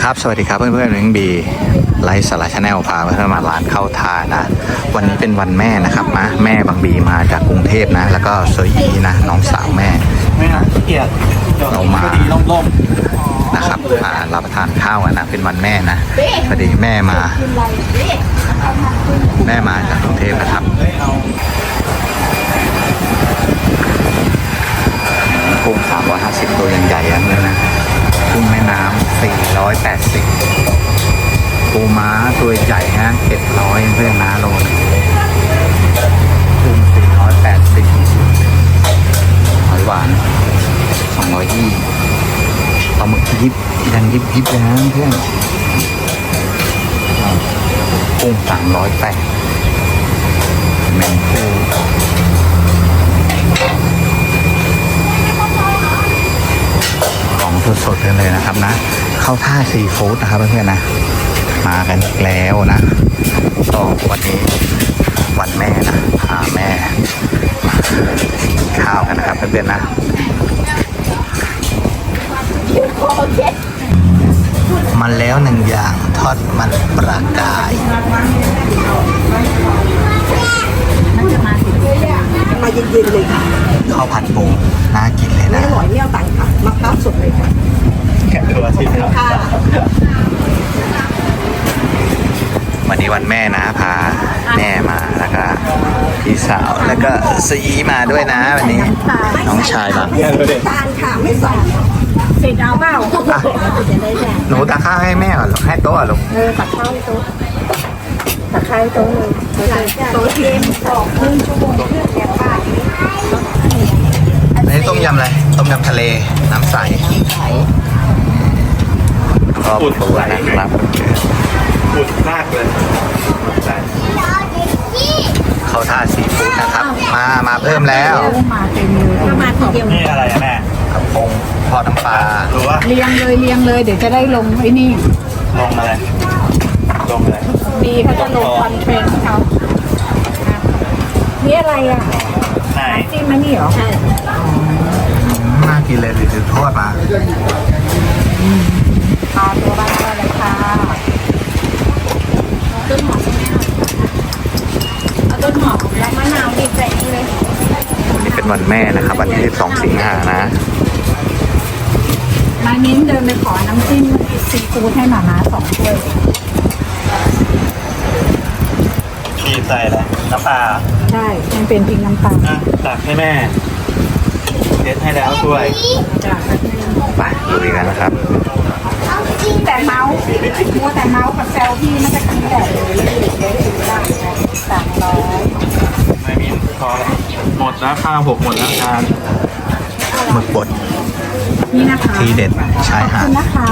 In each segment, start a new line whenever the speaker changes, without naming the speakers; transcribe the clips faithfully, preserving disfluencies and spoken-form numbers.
ครับสวัสดีครับเพื่อนๆเรื่องบีไลฟ์สาระชาแนลพาเพื่อนๆมาร้านข้าวทานะวันนี้เป็นวันแม่นะครับนะแม่บางบีมาจากกรุงเทพนะแล้วก็โซยีนะน้องสาวแม่เรามานะครับมารับประทานข้าวนะเป็นวันแม่นะพอดีแม่มาแม่มาจากกรุงเทพนะครับกุ้งสามร้อยห้าสิบตัวยังใหญ่ๆเลยนะกุ้งแม่น้ำสี่ร้อยแปดสิบปูม้าตัวใหญ่ฮะเจ็ดร้อยเพื่อนนะโลนกุ้งสี่ร้อยแปดสิบหอยหวานสองร้อยยี่ปลาหมึกยิบยังยิบยิบเลยนะเพื่อนกุ้งสามร้อยแปดแมงคู่ของสดๆกันเลยนะครับนะเข้าท่าซีฟู้ดนะครับเพื่อนๆนะมากันอีกแล้วนะก็วันนี้วันแม่นะพาแม่มากินข้าวกันนะครับเพื่อนๆนะมันแล้วหนึ่งอย่างทอดมันปลากาย
มาเย็นๆเลยค่ะ
ข้าวผัดปูน่ากินเลยนะ
อร่อยเนี่ยต่างค่ะมะพร้าวสดเลยค่ะ
แกะตัวที่ค่ะวันนี้วันแม่นะพาแม่มาแล้วก็พี่สาวแล้วก็ซีมาด้วยนะวันนี้น้องชายมา
ตาลค่ะไม่ใส่เสร็จเอาเปล่า
หนูตักข้าวให้แม่ก่อนหรอให้โต๊ะหรอ
เออตักข้าวให้โต๊ะตักข้าวให้โต๊ะเลยโต๊ะเทียมสองครึ่งชั่วโมงเพื่อแกะป้า
อันนี้ต้มยำอะไรต้มยำทะเลน้ำใสครอบครัวนะครับ
ปุดมากเลย
เขาท่าซีฟู้ดนะครับมามาเพิ่มแล้ว
มาเต็มเลยมาทีเดียว
นี่อะไรอะแม่
กระพงทอดน้ำปลา
หรือว่า
เรียงเลยเรียงเลยเดี๋ยวจะได้ลงไอ้นี่
ลงอะไรลงอะไร
ดีเขาจะลงคอนเทนต์เขานี่อะไรอ่ะ
ไหน
จิ้มมันนี่เหรอใช่
น่ากินเลยถือทอดมา
ปลาตัวบ้านก็เลยค่ะต้นหอมใช่ไหมเอาต้นหอมแล้วมะนาวดิบใส่เลย
วันนี้เป็นวันแม่นะครับวันที่สิบสองสิงหานะ
มานิ้นเดินไปขอน้ำจิ้มซีฟู้ดให้หมาม้าสองถ้วย
มีใส่อะไรน้ำปลา
ใช่มันเป็นพริกน้ำปลา
ตักให้แม่เด็ดให้แล้วด้วย
ไปดูกันนะครับ
แต่เมาส์มัวแต่เมาส์กับแซวพี่มันจะกินแต่เลยเดี๋ยวถึงได้สามร้อย
ไม่มีพอหมดแล้วข้าวผมหมดแล้วทาน
หมึกบด
นี่นะคะ
ทีเด็ดชายหาด
นะคะ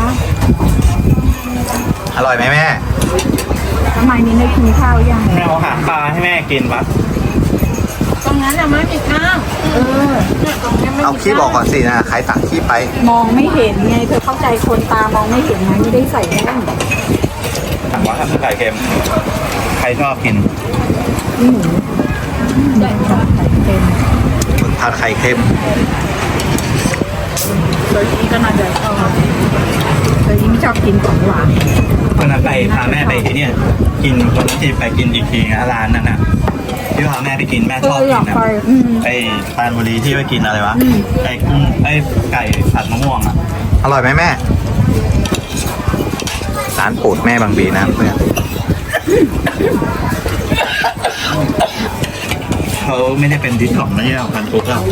อร่อยไหมแม่
ทำไมนี่ไม่กินข้าวยัง
แม่เอาหางปลาให้แม่กินปะ
ตรงนั้นอะไม่มีข้าวเออตรงนี้ไม่
เอาขี้บอกก่อนสินะใครตักขี้ไป
มองไม่เห็นไงเธอเข้าใจคนตามองไม่เห็นไงไม่ได้ใส่แว่น
ถามว่าทำไข่เค็มใครชอบกิน
หมูใส่ไข่เค็ม
หมึกผัดไข่เค็ม
โดยที่ก็น่าจะชอบโดยยิ่งชอบกินของหวาน
วันนั้นไปพาแม่ไปที่เนี่ยกินคนที่ไปกินอีกทีนะร้านนั้นน่ะที่พาแม่ไปกินแม่ชอบกินนะไอ้ปานบุรีที่ไปกินอะไรวะไอ้กุ้งไอ้ไก่ผัดมะม่วงอ่ะ
อร่อยไหมแม่ร้านโปรดแม่บางบีนะเพื่อน
เขาไม่ได้เป็นดิสของนะเนี่ยพันธุ์ปุ๊กอ่ะ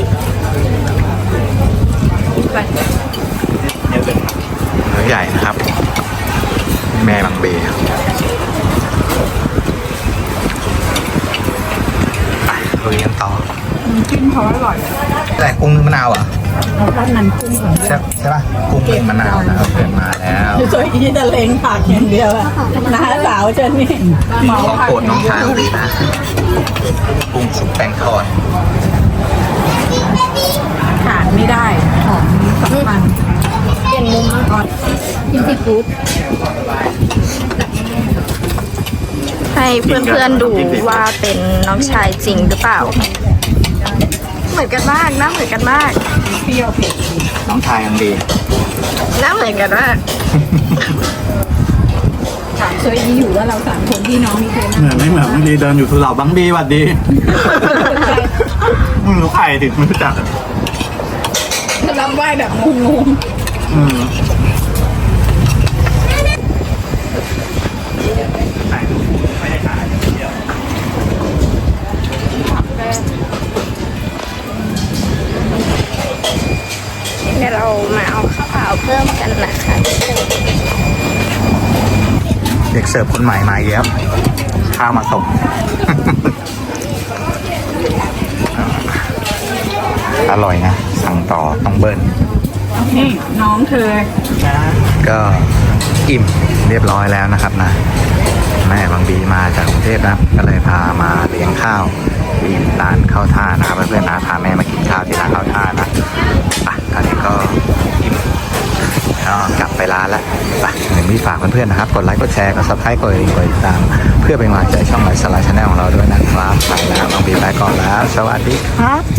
เนี่ยเป็น
เนื้อใหญ่นะครับแม่บางบีลุยกันต่อ
จิ้มเขาอร่อย
แต่กุ้งนึ่งมะนาวอ่ะ
เราทอดมันกุ้งของ
ใช่ใช่ป่ะกุ้งนึ่งมะนาวนะครับเกิดมาแล้ว
โดยที่จะเล้งปากอย่างเดียวอะน้าสาวเจนนี่
ของโปรดน้องชายดีนะกุ้งสุกแป้งทอด
ขาดไม่ได้ของสำคัญเปลี่ยนมุมก่อนกินซีฟู้ด
ให้เพื่อนๆดูว่าเป็นน้องชายจริงหรือเปล่าเหมือนกันมากหน้าเหมือนกันมาก
เปรี้ยวเผ็ด
น้องชายยังดี
หน้าเหมือนกันมาก
ยดีอยู่ว่าเราสามคนพี่น้องมีใคร
เหมือนไม่เหมือนบางทีเดินอยู่คือเหล่าบังดีหวัดดีมึงรู้ใครถึงไม่รู้จักอะ
นั่งรับไหว้แบบงง
อืม
เดี๋ยวเรามาเอาข้าวเปล่าเพิ่มกันนะคะ
เด็กเสิร์ฟคนใหม่มาอีกแล้วข้าวมาส่ง อร่อยนะ สั่งต่อต้องเบิ้ล
ๆนี่น้องเธอ
ก็อิ่มเรียบร้อยแล้วนะครับนะ แม่บางบีมาจากกรุงเทพนะก็เลยพามาเลี้ยงข้าวที่ร้านข้าวท่านะครับเพื่อนๆนะพาแม่มากินข้าวที่ร้านข้าวท่านะอ่ะตอนนี้ก็อิ่มก็กลับไปร้านแล้วไปหนึ่งพี่ฝากเพื่อนๆนะครับกดไลค์กดแชร์กดซับสไครต์กดกระดิ่งกดติดตามเพื่อเป็นกำลังใจช่องไลฟ์สไลด์ชาแนลของเราด้วยนะครับไปแล้วบางบีไปก่อนแล้วสวัสดีครับ